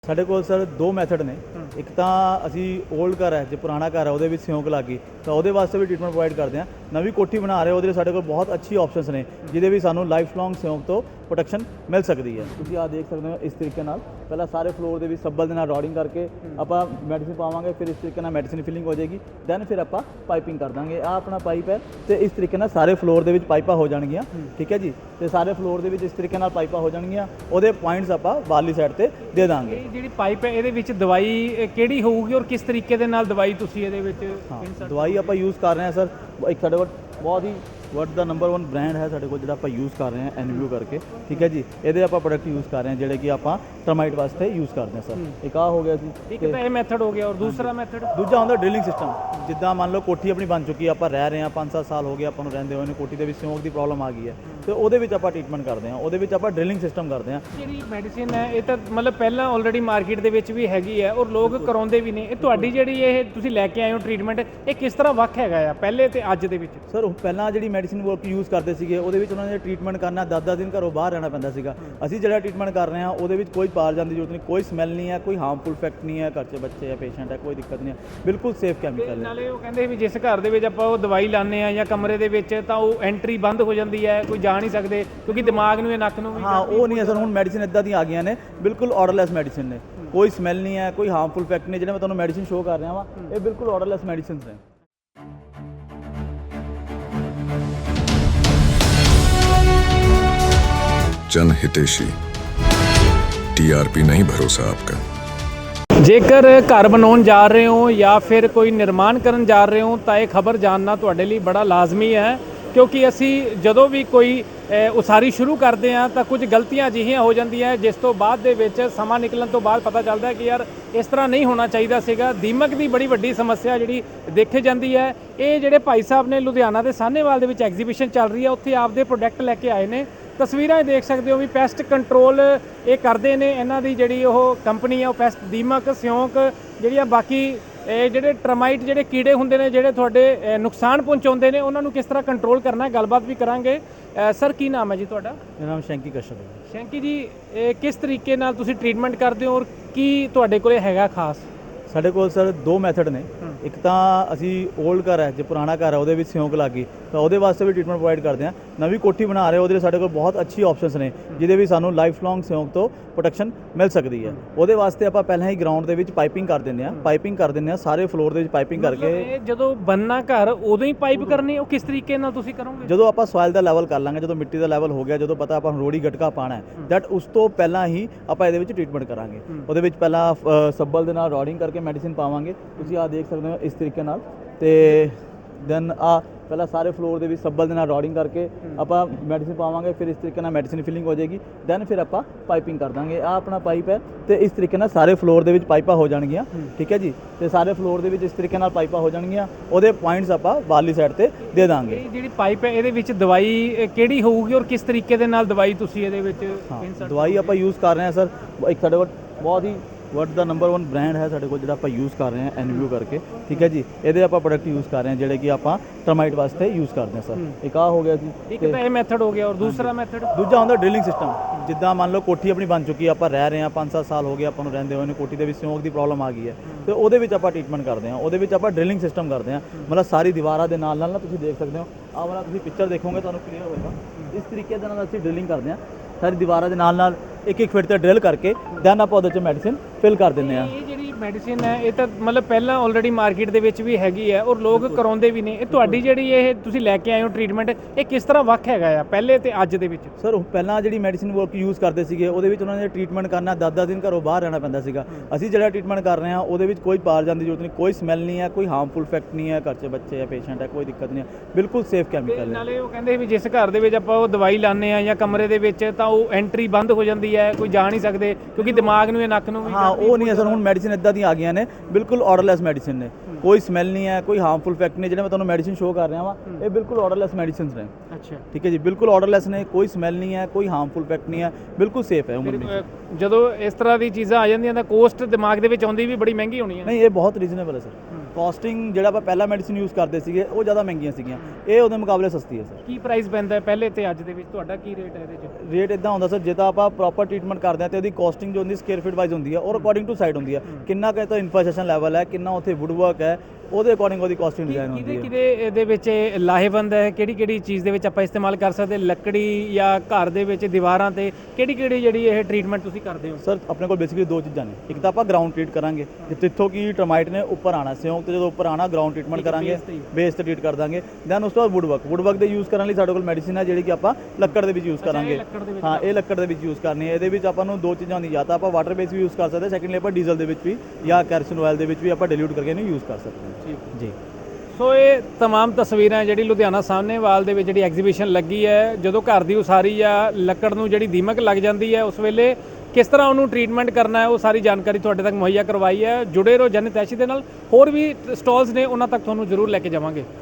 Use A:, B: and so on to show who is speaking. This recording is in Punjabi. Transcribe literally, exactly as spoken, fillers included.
A: ਸਾਡੇ ਕੋਲ ਸਰ ਦੋ ਮੈਥਡ ਨੇ। ਇੱਕ ਤਾਂ ਅਸੀਂ ਓਲਡ ਘਰ ਹੈ, ਜੇ ਪੁਰਾਣਾ ਘਰ ਹੈ ਉਹਦੇ ਵਿੱਚ ਸਿਉਂਕ ਲੱਗ ਗਈ ਤਾਂ ਉਹਦੇ ਵਾਸਤੇ ਵੀ ਟ੍ਰੀਟਮੈਂਟ ਪ੍ਰੋਵਾਈਡ ਕਰਦੇ ਹਾਂ। ਨਵੀਂ ਕੋਠੀ ਬਣਾ ਰਹੇ ਉਹਦੇ ਲਈ ਸਾਡੇ ਕੋਲ ਬਹੁਤ ਅੱਛੀ ਆਪਸ਼ਨਸ ਨੇ ਜਿਹਦੇ ਵਿੱਚ ਸਾਨੂੰ ਲਾਈਫ ਲੌਂਗ ਸਿਉਂਕ ਤੋਂ ਪ੍ਰੋਟੈਕਸ਼ਨ ਮਿਲ ਸਕਦੀ ਹੈ। ਤੁਸੀਂ ਆਹ ਦੇਖ ਸਕਦੇ ਹੋ ਇਸ ਤਰੀਕੇ ਨਾਲ ਪਹਿਲਾਂ ਸਾਰੇ ਫਲੋਰ ਦੇ ਵਿੱਚ ਸੱਬਲ ਦੇ ਨਾਲ ਰੋਡਿੰਗ ਕਰਕੇ ਆਪਾਂ ਮੈਡੀਸਿਨ ਪਾਵਾਂਗੇ, ਫਿਰ ਇਸ ਤਰੀਕੇ ਨਾਲ ਮੈਡੀਸਿਨ ਫਿਲਿੰਗ ਹੋ ਜਾਏਗੀ, ਦੈਨ ਫਿਰ ਆਪਾਂ ਪਾਈਪਿੰਗ ਕਰ ਦਾਂਗੇ। ਆਹ ਆਪਣਾ ਪਾਈਪ ਹੈ ਤੇ ਇਸ ਤਰੀਕੇ ਨਾਲ ਸਾਰੇ ਫਲੋਰ ਦੇ ਵਿੱਚ ਪਾਈਪਾਂ ਹੋ ਜਾਣਗੀਆਂ, ਠੀਕ ਹੈ ਜੀ। ਤੇ ਸਾਰੇ ਫਲੋਰ ਦੇ ਵਿੱਚ ਇਸ ਤਰੀਕੇ ਨਾਲ ਪਾਈਪਾਂ ਹੋ ਜਾਣਗੀਆਂ, ਉਹਦੇ ਪੁਆਇੰਟਸ ਆਪਾਂ ਬਾਹਰਲੀ ਸਾਈਡ ਤੇ ਦੇ ਦਾਂਗੇ।
B: ਇਹ ਜਿਹੜੀ ਪਾਈਪ ਹੈ ਇਹਦੇ ਵਿੱਚ ਦਵਾਈ ਕਿਹੜੀ ਹੋਊਗੀ ਔਰ ਕਿਸ ਤਰੀਕੇ ਦੇ ਨਾਲ ਦਵਾਈ ਤੁਸੀਂ ਇਹਦੇ ਵਿੱਚ
A: ਹਾਂ ਦਵਾਈ ਆਪਾਂ ਯੂਜ਼ ਕਰ ਰਹੇ ਹਾਂ ਸਰ। ਇੱਕ ਸਾਡੇ ਕੋਲ ਬਹੁਤ ਹੀ ਵਰਲਡ ਦਾ ਨੰਬਰ ਵਨ ਬ੍ਰਾਂਡ ਹੈ ਸਾਡੇ ਕੋਲ ਜਿਹੜਾ ਆਪਾਂ ਯੂਜ਼ ਕਰ ਰਹੇ ਹਾਂ ਐਨਵੀਓ ਕਰਕੇ, ਠੀਕ ਹੈ ਜੀ। ਇਹਦੇ ਆਪਾਂ ਪ੍ਰੋਡਕਟ ਯੂਜ਼ ਕਰ ਰਹੇ ਹਾਂ ਜਿਹੜੇ ਕਿ ਆਪਾਂ ਟਰਮਾਈਟ ਵਾਸਤੇ ਯੂਜ਼ ਕਰਦੇ ਹਾਂ ਸਰ। ਇੱਕ ਆ ਹੋ ਗਿਆ ਸੀ,
B: ਇੱਕ ਤਾਂ ਇਹ ਮੈਥਡ ਹੋ ਗਿਆ ਔਰ ਦੂਸਰਾ ਮੈਥਡ
A: ਦੂਜਾ ਹੁੰਦਾ ਡ੍ਰਿਲਿੰਗ ਸਿਸਟਮ। ਜਿੱਦਾਂ ਮੰਨ ਲਓ ਕੋਠੀ ਆਪਣੀ ਬਣ ਚੁੱਕੀ ਹੈ, ਆਪਾਂ ਰਹਿ ਰਹੇ ਹਾਂ, ਪੰਜ ਸੱਤ ਸਾਲ ਹੋ ਗਏ ਆਪਾਂ ਨੂੰ ਰਹਿੰਦੇ ਹੋਏ ਨੇ, ਕੋਠੀ ਦੇ ਵਿੱਚ ਸਿਉਂਕ ਦੀ ਪ੍ਰੋਬਲਮ ਆ ਗਈ ਹੈ ਤੇ ਉਹਦੇ ਵਿੱਚ ਆਪਾਂ ਟ੍ਰੀਟਮੈਂਟ ਕਰਦੇ ਹਾਂ। ਉਹਦੇ ਵਿੱਚ ਆਪਾਂ ਡ੍ਰਿਲਿੰਗ ਸਿਸਟਮ ਕਰਦੇ ਹਾਂ।
B: ਜਿਹੜੀ ਮੈਡੀਸਿਨ ਹੈ ਇਹ ਤਾਂ ਮਤਲਬ ਪਹਿਲਾਂ ਆਲਰੇਡੀ ਮਾਰਕੀਟ ਦੇ ਵਿੱਚ ਵੀ ਹੈਗੀ ਹੈ ਔਰ ਲੋਕ ਕਰਾਉਂਦੇ ਵੀ ਨੇ। ਇਹ ਤੁਹਾਡੀ ਜਿਹੜੀ ਇਹ ਤੁਸੀਂ ਲੈ ਕੇ ਆਏ ਹੋ ਟ੍ਰੀਟਮੈਂਟ, ਇਹ ਕਿਸ ਤਰ੍ਹਾਂ ਵੱਖ ਹੈਗਾ ਆ ਪਹਿਲੇ ਤੇ ਅੱਜ ਦੇ ਵਿੱਚ?
A: ਸਰ ਪਹਿਲਾਂ ਜਿਹੜੀ ਮੈਡੀਸਿਨ ਵਰਕ ਯੂਜ਼ ਕਰਦੇ ਸੀਗੇ ਉਹਦੇ ਵਿੱਚ ਉਹਨਾਂ ਨੇ ਟ੍ਰੀਟਮੈਂਟ ਕਰਨਾ ਦਸ ਦਸ ਦਿਨ ਘਰੋਂ ਬਾਹਰ ਰਹਿਣਾ ਪੈਂਦਾ ਸੀਗਾ। ਅਸੀਂ ਜਿਹੜਾ ਟ੍ਰੀਟਮੈਂਟ ਕਰ ਰਹੇ ਹਾਂ ਉਹਦੇ ਵਿੱਚ ਕੋਈ ਪਾਰ ਜਾਣ ਦੀ ਜ਼ਰੂਰਤ ਨਹੀਂ, ਕੋਈ ਸਮੈਲ ਨਹੀਂ ਹੈ, ਕੋਈ ਹਾਰਮਫੁਲ ਇਫੈਕਟ ਨਹੀਂ ਹੈ, ਘਰ 'ਚ ਬੱਚੇ ਜਾਂ ਪੇਸ਼ੈਂਟ ਹੈ, ਕੋਈ ਦਿੱਕਤ ਨਹੀਂ ਹੈ, ਬਿਲਕੁਲ ਸੇਫ ਕੈਮੀਕਲ ਹੈ।
B: ਨਾਲੇ ਉਹ ਕਹਿੰਦੇ ਵੀ ਜਿਸ ਘਰ ਦੇ ਵਿੱਚ ਆਪਾਂ ਉਹ ਦਵਾਈ ਲਾਉਂਦੇ ਆ ਜਾਂ ਕਮਰੇ ਦੇ ਵਿੱਚ ਤਾਂ ਉਹ ਐਂਟਰੀ ਬੰਦ ਹੋ ਜਾਂਦੀ ਹੈ, ਕੋਈ ਜਾ ਨਹੀਂ ਸਕਦੇ ਕਿਉਂਕਿ ਦਿਮਾਗ ਨੂੰ ਜਾਂ ਨੱਕ ਨੂੰ ਵੀ।
A: ਹਾਂ ਉਹ ਨਹੀਂ ਹੈ ਸਰ, ਹੁਣ ਮੈਡੀਸਿਨ ਇੱਦਾਂ ਦੀਆਂ ਆ ਗਈਆਂ ਨੇ, ਬਿਲਕੁਲ ਆਰਡਰਲੈਸ ਮੈਡੀਸਿਨ ਨੇ, ਕੋਈ ਸਮੈਲ ਨਹੀਂ ਹੈ, ਕੋਈ ਹਾਰਮਫੁਲ ਇਫੈਕਟ ਨਹੀਂ। ਜਿਹੜੇ ਮੈਂ ਤੁਹਾਨੂੰ ਮੈਡੀਸਿਨ ਸ਼ੋਅ ਕਰ ਰਿਹਾ ਵਾਂ ਇਹ ਬਿਲਕੁਲ ਆਰਡਰਲੈਸ ਮੈਡੀਸਿਨਸ ਨੇ।
C: जन हितेशी टीआरपी नहीं भरोसा आपका।
B: ਜੇਕਰ ਘਰ ਬਣਾਉਣ ਜਾ ਰਹੇ ਹੋ ਜਾਂ ਫਿਰ ਕੋਈ ਨਿਰਮਾਣ ਕਰਨ ਜਾ ਰਹੇ ਹੋ ਤਾਂ ਇਹ ਖਬਰ ਜਾਣਨਾ ਤੁਹਾਡੇ ਲਈ ਬੜਾ ਲਾਜ਼ਮੀ ਹੈ, ਕਿਉਂਕਿ ਅਸੀਂ ਜਦੋਂ ਵੀ ਕੋਈ ਉਸਾਰੀ ਸ਼ੁਰੂ ਕਰਦੇ ਹਾਂ ਤਾਂ ਕੁਝ ਗਲਤੀਆਂ ਅਜਿਹੀਆਂ ਹੋ ਜਾਂਦੀਆਂ ਜਿਸ ਤੋਂ ਬਾਅਦ ਦੇ ਵਿੱਚ ਸਮਾਂ ਨਿਕਲਣ ਤੋਂ ਬਾਅਦ ਪਤਾ ਚੱਲਦਾ ਕਿ ਯਾਰ ਇਸ ਤਰ੍ਹਾਂ ਨਹੀਂ ਹੋਣਾ ਚਾਹੀਦਾ ਸੀਗਾ। ਦੀਮਕ ਦੀ ਬੜੀ ਵੱਡੀ ਸਮੱਸਿਆ ਜਿਹੜੀ ਦੇਖੀ ਜਾਂਦੀ ਹੈ। ਇਹ ਜਿਹੜੇ ਭਾਈ ਸਾਹਿਬ ਨੇ ਲੁਧਿਆਣਾ ਦੇ ਸਾਹਨੇਵਾਲ ਦੇ ਵਿੱਚ ਐਗਜ਼ੀਬਿਸ਼ਨ ਚੱਲ ਰਹੀ ਹੈ, ਉੱਥੇ ਆਪਦੇ ਪ੍ਰੋਡਕਟ ਲੈ ਕੇ ਆਏ ਨੇ। ਤਸਵੀਰਾਂ ਦੇਖ ਸਕਦੇ ਹੋ ਵੀ ਪੈਸਟ ਕੰਟਰੋਲ ਇਹ ਕਰਦੇ ਨੇ। ਇਹਨਾਂ ਦੀ ਜਿਹੜੀ ਉਹ ਕੰਪਨੀ ਆ ਉਹ ਪੈਸਟ ਦੀਮਕ ਸਿਉਂਕ ਜਿਹੜੀਆਂ ਬਾਕੀ ਇਹ ਜਿਹੜੇ ਟਰਮਾਈਟ ਜਿਹੜੇ ਕੀੜੇ ਹੁੰਦੇ ਨੇ ਜਿਹੜੇ ਤੁਹਾਡੇ ਨੁਕਸਾਨ ਪਹੁੰਚਾਉਂਦੇ ਨੇ ਉਹਨਾਂ ਨੂੰ ਕਿਸ ਤਰ੍ਹਾਂ ਕੰਟਰੋਲ ਕਰਨਾ ਹੈ, ਗੱਲਬਾਤ ਵੀ ਕਰਾਂਗੇ। ਸਰ ਕੀ ਨਾਮ ਹੈ ਜੀ ਤੁਹਾਡਾ?
A: ਮੇਰਾ ਨਾਮ ਸ਼ੈਂਕੀ ਕਸ਼ਰ ਹੈ।
B: ਸ਼ੈਂਕੀ ਜੀ, ਇਹ ਕਿਸ ਤਰੀਕੇ ਨਾਲ ਤੁਸੀਂ ਟ੍ਰੀਟਮੈਂਟ ਕਰਦੇ ਹੋ ਔਰ ਕੀ ਤੁਹਾਡੇ ਕੋਲ ਹੈਗਾ ਖਾਸ?
A: ਸਾਡੇ ਕੋਲ ਸਰ ਦੋ ਮੈਥਡ ਨੇ। ਇੱਕ ਤਾਂ ਅਸੀਂ ਓਲਡ ਘਰ ਹੈ, ਜੇ ਪੁਰਾਣਾ ਘਰ ਹੈ ਉਹਦੇ ਵਿੱਚ ਸਿਉਂਕ ਲੱਗ ਗਈ ਤਾਂ ਉਹਦੇ ਵਾਸਤੇ ਵੀ ਟ੍ਰੀਟਮੈਂਟ ਪ੍ਰੋਵਾਈਡ ਕਰਦੇ ਹਾਂ। ਨਵੀਂ ਕੋਠੀ ਬਣਾ ਰਹੇ ਉਹਦੇ ਲਈ ਸਾਡੇ ਕੋਲ ਬਹੁਤ ਅੱਛੀ ਆਪਸ਼ਨਸ ਨੇ ਜਿਹਦੇ ਵਿੱਚ ਸਾਨੂੰ ਲਾਈਫ ਲੌਂਗ ਸਿਉਂਕ ਤੋਂ ਪ੍ਰੋਟੈਕਸ਼ਨ ਮਿਲ ਸਕਦੀ ਹੈ। ਉਹਦੇ ਵਾਸਤੇ ਆਪਾਂ ਪਹਿਲਾਂ ਹੀ ਗਰਾਊਂਡ ਦੇ ਵਿੱਚ ਪਾਈਪਿੰਗ ਕਰ ਦਿੰਦੇ ਹਾਂ ਪਾਈਪਿੰਗ ਕਰ ਦਿੰਦੇ ਹਾਂ ਸਾਰੇ ਫਲੋਰ ਦੇ ਵਿੱਚ ਪਾਈਪਿੰਗ ਕਰਕੇ।
B: ਜਦੋਂ ਬਣਨਾ ਘਰ ਉਦੋਂ ਹੀ ਪਾਈਪ ਕਰਨੀ, ਉਹ ਕਿਸ ਤਰੀਕੇ ਨਾਲ ਤੁਸੀਂ ਕਰੋਗੇ?
A: ਜਦੋਂ ਆਪਾਂ ਸੋਇਲ ਦਾ ਲੈਵਲ ਕਰ ਲਾਂਗੇ, ਜਦੋਂ ਮਿੱਟੀ ਦਾ ਲੈਵਲ ਹੋ ਗਿਆ, ਜਦੋਂ ਪਤਾ ਆਪਾਂ ਰੋੜੀ ਗਟਕਾ ਪਾਣਾ ਹੈ, ਦੈਟ ਉਸ ਤੋਂ ਪਹਿਲਾਂ ਹੀ ਆਪਾਂ ਇਹਦੇ ਵਿੱਚ ਟ੍ਰੀਟਮੈਂਟ ਕਰਾਂਗੇ। ਉਹਦੇ ਵਿੱਚ ਪਹਿਲਾਂ ਸੱਬਲ ਦੇ ਨਾਲ ਰੋਡਿੰਗ ਕਰਕੇ ਮੈਡੀਸਿਨ ਪਾਵਾਂਗੇ। ਤੁਸੀਂ ਆਹ ਦੇਖ ਸਕਦੇ ਹੋ ਇਸ ਤਰੀਕੇ ਨਾਲ, ਤੇ ਦੈਨ ਆ ਪਹਿਲਾਂ ਸਾਰੇ ਫਲੋਰ ਦੇ ਵਿੱਚ ਸੱਬਲ ਦੇ ਨਾਲ ਰੋਡਿੰਗ ਕਰਕੇ ਆਪਾਂ ਮੈਡੀਸਿਨ ਪਾਵਾਂਗੇ, ਫਿਰ ਇਸ ਤਰੀਕੇ ਨਾਲ ਮੈਡੀਸਿਨ ਫਿਲਿੰਗ ਹੋ ਜਾਏਗੀ, ਦੈਨ ਫਿਰ ਆਪਾਂ ਪਾਈਪਿੰਗ ਕਰ ਦਾਂਗੇ। ਆਹ ਆਪਣਾ ਪਾਈਪ ਹੈ ਤੇ ਇਸ ਤਰੀਕੇ ਨਾਲ ਸਾਰੇ ਫਲੋਰ ਦੇ ਵਿੱਚ ਪਾਈਪਾਂ ਹੋ ਜਾਣਗੀਆਂ, ਠੀਕ ਹੈ ਜੀ। ਤੇ ਸਾਰੇ ਫਲੋਰ ਦੇ ਵਿੱਚ ਇਸ ਤਰੀਕੇ ਨਾਲ ਪਾਈਪਾਂ ਹੋ ਜਾਣਗੀਆਂ, ਉਹਦੇ ਪੁਆਇੰਟਸ ਆਪਾਂ ਬਾਹਰਲੀ ਸਾਈਡ ਤੇ ਦੇ ਦਾਂਗੇ।
B: ਇਹ ਜਿਹੜੀ ਪਾਈਪ ਹੈ ਇਹਦੇ ਵਿੱਚ ਦਵਾਈ ਕਿਹੜੀ ਹੋਊਗੀ ਔਰ ਕਿਸ ਤਰੀਕੇ ਦੇ ਨਾਲ ਦਵਾਈ ਤੁਸੀਂ ਇਹਦੇ ਵਿੱਚ?
A: ਹਾਂ ਦਵਾਈ ਆਪਾਂ ਯੂਜ਼ ਕਰ ਰਹੇ ਹਾਂ ਸਰ। ਇੱਕ ਸਾਡੇ ਕੋਲ ਬਹੁਤ ਹੀ ਵਰਲਡ ਦਾ ਨੰਬਰ ਵਨ ਬ੍ਰਾਂਡ ਹੈ ਸਾਡੇ ਕੋਲ ਜਿਹੜਾ ਆਪਾਂ ਯੂਜ਼ ਕਰ ਰਹੇ ਹਾਂ ਐਨਵੀਓ ਕਰਕੇ, ਠੀਕ ਹੈ ਜੀ। ਇਹਦੇ ਆਪਾਂ ਪ੍ਰੋਡਕਟ ਯੂਜ਼ ਕਰ ਰਹੇ ਹਾਂ ਜਿਹੜੇ ਕਿ ਆਪਾਂ ਟਰਮਾਈਟ ਵਾਸਤੇ ਯੂਜ਼ ਕਰਦੇ ਹਾਂ ਸਰ। ਇੱਕ ਆ ਹੋ ਗਿਆ ਸੀ,
B: ਇੱਕ ਤਾਂ ਇਹ ਮੈਥਡ ਹੋ ਗਿਆ ਔਰ ਦੂਸਰਾ ਮੈਥਡ
A: ਦੂਜਾ ਹੁੰਦਾ ਡ੍ਰਿਲਿੰਗ ਸਿਸਟਮ। ਜਿੱਦਾਂ ਮੰਨ ਲਓ ਕੋਠੀ ਆਪਣੀ ਬਣ ਚੁੱਕੀ ਹੈ, ਆਪਾਂ ਰਹਿ ਰਹੇ ਹਾਂ, ਪੰਜ ਸੱਤ ਸਾਲ ਹੋ ਗਏ ਆਪਾਂ ਨੂੰ ਰਹਿੰਦੇ ਹੋਏ ਨੇ, ਕੋਠੀ ਦੇ ਵਿੱਚ ਸਿਉਂਕ ਦੀ ਪ੍ਰੋਬਲਮ ਆ ਗਈ ਹੈ ਤੇ ਉਹਦੇ ਵਿੱਚ ਆਪਾਂ ਟ੍ਰੀਟਮੈਂਟ ਕਰਦੇ ਹਾਂ। ਉਹਦੇ ਵਿੱਚ ਆਪਾਂ ਡ੍ਰਿਲਿੰਗ ਸਿਸਟਮ ਕਰਦੇ ਹਾਂ, ਮਤਲਬ ਸਾਰੀ ਦੀਵਾਰਾਂ ਦੇ ਨਾਲ ਨਾਲ ਨਾ ਤੁਸੀਂ ਦੇਖ ਸਕਦੇ ਹੋ, ਆਹ ਵਾਲਾ ਤੁਸੀਂ ਪਿਕਚਰ ਦੇਖੋਗੇ ਤੁਹਾਨੂੰ ਕਲੀਅਰ ਹੋਏਗਾ। ਇਸ ਤਰੀਕੇ ਦੇ ਨਾਲ ਅਸੀਂ ਡ੍ਰਿਲਿੰਗ ਕਰਦੇ ਹਾਂ ਸਾਰੀ ਦੀਵਾਰਾਂ ਦੇ ਨਾਲ ਨਾਲ, ਇੱਕ ਇੱਕ ਫਿਟ ਤੇ ਡਰਿਲ ਕਰਕੇ ਦੈਨ ਆਪਾਂ ਉਹਦੇ 'ਚ ਮੈਡੀਸਿਨ ਫਿਲ ਕਰ ਦਿੰਦੇ ਹਾਂ।
B: ਇਹ ਜਿਹੜੀ ਮੈਡੀਸਿਨ ਹੈ ਇਹ ਤਾਂ ਮਤਲਬ ਪਹਿਲਾਂ ਆਲਰੇਡੀ ਮਾਰਕੀਟ ਦੇ ਵਿੱਚ ਵੀ ਹੈਗੀ ਹੈ ਔਰ ਲੋਕ ਕਰਾਉਂਦੇ ਵੀ ਨੇ। ਇਹ ਤੁਹਾਡੀ ਜਿਹੜੀ ਇਹ ਤੁਸੀਂ ਲੈ ਕੇ ਆਏ ਹੋ ਟ੍ਰੀਟਮੈਂਟ, ਇਹ ਕਿਸ ਤਰ੍ਹਾਂ ਵੱਖ ਹੈਗਾ ਆ ਪਹਿਲੇ ਤੇ ਅੱਜ ਦੇ ਵਿੱਚ?
A: ਸਰ ਪਹਿਲਾਂ ਜਿਹੜੀ ਮੈਡੀਸਿਨ ਵਰਕ ਯੂਜ਼ ਕਰਦੇ ਸੀਗੇ ਉਹਦੇ ਵਿੱਚ ਉਹਨਾਂ ਨੇ ਟ੍ਰੀਟਮੈਂਟ ਕਰਨਾ ਦਸ ਦਸ ਦਿਨ ਘਰੋਂ ਬਾਹਰ ਰਹਿਣਾ ਪੈਂਦਾ ਸੀਗਾ। ਅਸੀਂ ਜਿਹੜਾ ਟ੍ਰੀਟਮੈਂਟ ਕਰ ਰਹੇ ਹਾਂ ਉਹਦੇ ਵਿੱਚ ਕੋਈ ਪਾਰ ਜਾਣ ਦੀ ਜ਼ਰੂਰਤ ਨਹੀਂ, ਕੋਈ ਸਮੈਲ ਨਹੀਂ ਹੈ, ਕੋਈ ਹਾਰਮਫੁਲ ਇਫੈਕਟ ਨਹੀਂ ਹੈ, ਘਰ 'ਚ ਬੱਚੇ ਜਾਂ ਪੇਸ਼ੈਂਟ ਹੈ, ਕੋਈ ਦਿੱਕਤ ਨਹੀਂ ਹੈ, ਬਿਲਕੁਲ ਸੇਫ ਕੈਮੀਕਲ ਹੈ।
B: ਨਾਲੇ ਉਹ ਕਹਿੰਦੇ ਵੀ ਜਿਸ ਘਰ ਦੇ ਵਿੱਚ ਆਪਾਂ ਉਹ ਦਵਾਈ ਲਾਉਂਦੇ ਆ ਜਾਂ ਕਮਰੇ ਦੇ ਵਿੱਚ ਤਾਂ ਉਹ ਐਂਟਰੀ ਬੰਦ ਹੋ ਜਾਂਦੀ ਹੈ, ਕੋਈ ਜਾ ਨਹੀਂ ਸਕਦੇ ਕਿਉਂਕਿ ਦਿਮਾਗ ਨੂੰ ਜਾਂ ਨੱਕ ਨੂੰ ਵੀ।
A: ਹਾਂ ਉਹ ਨਹੀਂ ਹੈ ਸਰ, ਹੁਣ ਮੈਡੀਸਿਨ ਇੱਦਾਂ ਦੀਆਂ ਆ ਗਈਆਂ ਨੇ, ਬਿਲਕੁਲ ਆਰਡਰਲੈਸ ਮੈਡੀਸਿਨ ਨੇ, ਕੋਈ ਸਮੈਲ ਨਹੀਂ ਹੈ, ਕੋਈ ਹਾਰਮਫੁਲ ਇਫੈਕਟ ਨਹੀਂ। ਜਿਹੜੇ ਮੈਂ ਤੁਹਾਨੂੰ ਮੈਡੀਸਿਨ ਸ਼ੋਅ ਕਰ ਰਿਹਾ ਵਾਂ ਇਹ ਬਿਲਕੁਲ ਆਰਡਰਲੈਸ ਮੈਡੀਸਿਨਸ ਨੇ।
B: ਅੱਛਾ
A: ਠੀਕ ਹੈ ਜੀ, ਬਿਲਕੁਲ ਆਰਡਰਲੈਸ ਨੇ, ਕੋਈ ਸਮੈਲ ਨਹੀਂ ਹੈ, ਕੋਈ ਹਾਰਮਫੁਲ ਇਫੈਕਟ ਨਹੀਂ ਹੈ, ਬਿਲਕੁਲ ਸੇਫ ਹੈ।
B: ਜਦੋਂ ਇਸ ਤਰ੍ਹਾਂ ਦੀ ਚੀਜ਼ਾਂ ਆ ਜਾਂਦੀਆਂ ਤਾਂ ਕੋਸਟ ਦਿਮਾਗ ਦੇ ਵਿੱਚ ਆਉਂਦੀ ਵੀ ਬੜੀ ਮਹਿੰਗੀ ਹੋਣੀ ਹੈ।
A: ਨਹੀਂ ਇਹ ਬਹੁਤ ਰੀਜ਼ਨੇਬਲ ਹੈ ਸਰ। ਕਾਸਟਿੰਗ ਜਿਹੜਾ ਆਪਾਂ ਪਹਿਲਾਂ ਮੈਡੀਸਿਨ ਯੂਜ਼ ਕਰਦੇ ਸੀਗੇ ਉਹ ਜ਼ਿਆਦਾ ਮਹਿੰਗੀਆਂ ਸੀਗੀਆਂ, ਇਹ ਉਹਦੇ ਮੁਕਾਬਲੇ ਸਸਤੀ ਹੈ ਸਰ।
B: ਕੀ ਪ੍ਰਾਈਸ ਪੈਂਦਾ ਹੈ ਪਹਿਲੇ ਤੇ ਅੱਜ ਦੇ ਵਿੱਚ, ਤੁਹਾਡਾ ਕੀ ਰੇਟ ਹੈ ਇਹਦੇ 'ਚ?
A: ਰੇਟ ਇਦਾਂ ਹੁੰਦਾ ਸਰ, ਜੇ ਤਾਂ ਆਪਾਂ ਪ੍ਰੋਪਰ ਟ੍ਰੀਟਮੈਂਟ ਕਰਦੇ ਹਾਂ ਤੇ ਉਹਦੀ ਕਾਸਟਿੰਗ ਜੋ ਹੁੰਦੀ ਸਕੁਅਰ ਫੀਟ ਵਾਈਜ਼ ਹੁੰਦੀ ਹੈ ਔਰ ਅਕੋਰਡਿੰਗ ਟੂ ਸਾਈਟ ਹੁੰਦੀ ਹੈ, ਕਿੰਨਾ ਕੁ ਤਾਂ ਇਨਫਰਾਸਟ੍ਰਕਚਰ ਲੈਵਲ ਹੈ, ਕਿੰਨਾ ਉੱਥੇ ਵੁੱਡ ਵਰਕ ਹੈ, ਉਹਦੇ ਅਕੋਰਡਿੰਗ ਉਹਦੀ ਕਾਸਟਿੰਗ ਡਿਜ਼ਾਈਨ ਹੁੰਦੀ
B: ਕਿਹਦੇ
A: ਹੈ।
B: ਕਿਹਦੇ ਇਹਦੇ ਵਿੱਚ ਇਹ ਲਾਹੇਵੰਦ ਹੈ, ਕਿਹੜੀ ਕਿਹੜੀ ਚੀਜ਼ ਦੇ ਵਿੱਚ ਆਪਾਂ ਇਸਤੇਮਾਲ ਕਰ ਸਕਦੇ, ਲੱਕੜੀ ਜਾਂ ਘਰ ਦੇ ਵਿੱਚ ਦੀਵਾਰਾਂ ਤੇ ਕਿਹੜੀ ਕਿਹੜੀ ਜਿਹੜੀ ਇਹ ਟ੍ਰੀਟਮੈਂਟ ਤੁਸੀਂ ਕਰਦੇ ਹੋ?
A: ਸਰ ਆਪਣੇ ਕੋਲ ਬੇਸਿਕਲੀ ਦੋ ਚੀਜ਼ਾਂ ਨੇ, ਇੱਕ ਤਾਂ ਆਪਾਂ ਗਰਾਊਂਡ ਟ੍ਰੀਟ ਕਰਾਂਗੇ ਜਿੱਥੋਂ ਕਿ ਟਰਮਾਈਟ ਨੇ ਉੱਪਰ ਆਣਾ, ਸਿਉਂਕ ਤੇ ਜਦੋਂ ਉੱਪਰ ਆਣਾ ਗਰਾਊਂਡ ਟ੍ਰੀਟਮੈਂਟ ਕਰਾਂਗੇ, ਬੇਸ ਤੇ ਟ੍ਰੀਟ ਕਰ ਦਾਂਗੇ। ਦੈਨ ਉਸ ਤੋਂ ਬਾਅਦ ਵੁੱਡ ਵਰਕ, ਵੁੱਡ ਵਰਕ ਦੇ ਯੂਜ਼ ਕਰਨ ਲਈ ਸਾਡੇ ਕੋਲ ਮੈਡੀਸਿਨ ਹੈ ਜਿਹੜੀ ਕਿ ਆਪਾਂ ਲੱਕੜ ਦੇ ਵਿੱਚ ਯੂਜ਼ ਕਰਾਂਗੇ। ਹਾਂ, ਇਹ ਲੱਕੜ ਦੇ ਵਿੱਚ ਯੂਜ਼ ਕਰਨੀ ਹੈ। ਇਹਦੇ ਵਿੱਚ ਆਪਾਂ ਨੂੰ ਦੋ ਚੀਜ਼ਾਂ ਹੁੰਦੀਆਂ, ਜਾਂ ਤਾਂ ਆਪਾਂ ਵਾਟਰ ਬੇਸ ਵੀ ਯੂਜ਼ ਕਰ ਸਕਦੇ, ਸੈਕੰਡਲੀ ਆਪਾਂ ਡੀਜ਼ਲ ਦੇ ਵਿੱਚ ਵੀ ਜਾਂ ਕੈਰੋਸਿਨ ਆਇਲ ਦੇ ਵਿੱਚ ਵੀ ਆਪਾਂ ਡਿਲੂਟ ਕਰਕੇ ਇਹਨੂੰ ਯੂਜ਼ ਕਰ ਸਕਦੇ ਹਾਂ।
B: ਠੀਕ
A: ਜੀ।
B: ਸੋ ਇਹ तमाम ਤਸਵੀਰਾਂ ਜਿਹੜੀ ਲੁਧਿਆਣਾ ਸਾਹਨੇਵਾਲ ਦੇ ਵਿੱਚ ਜਿਹੜੀ ਐਗਜ਼ੀਬਿਸ਼ਨ ਲੱਗੀ ਹੈ, ਜਦੋਂ ਘਰ ਦੀ ਉਸਾਰੀ ਜਾਂ ਲੱਕੜ ਨੂੰ ਜਿਹੜੀ ਦੀਮਕ ਲੱਗ ਜਾਂਦੀ ਹੈ ਉਸ ਵੇਲੇ ਕਿਸ ਤਰ੍ਹਾਂ ਉਹਨੂੰ ਟ੍ਰੀਟਮੈਂਟ ਕਰਨਾ ਹੈ, ਉਹ ਸਾਰੀ ਜਾਣਕਾਰੀ ਤੁਹਾਡੇ ਤੱਕ ਮੁਹੱਈਆ ਕਰਵਾਈ ਹੈ। ਜੁੜੇ ਰਹੋ ਜਨ ਹਿਤੈਸ਼ੀ ਦੇ ਨਾਲ, ਹੋਰ ਵੀ ਸਟਾਲਸ ਨੇ ਉਹਨਾਂ ਤੱਕ ਤੁਹਾਨੂੰ ਜ਼ਰੂਰ ਲੈ ਕੇ ਜਾਵਾਂਗੇ।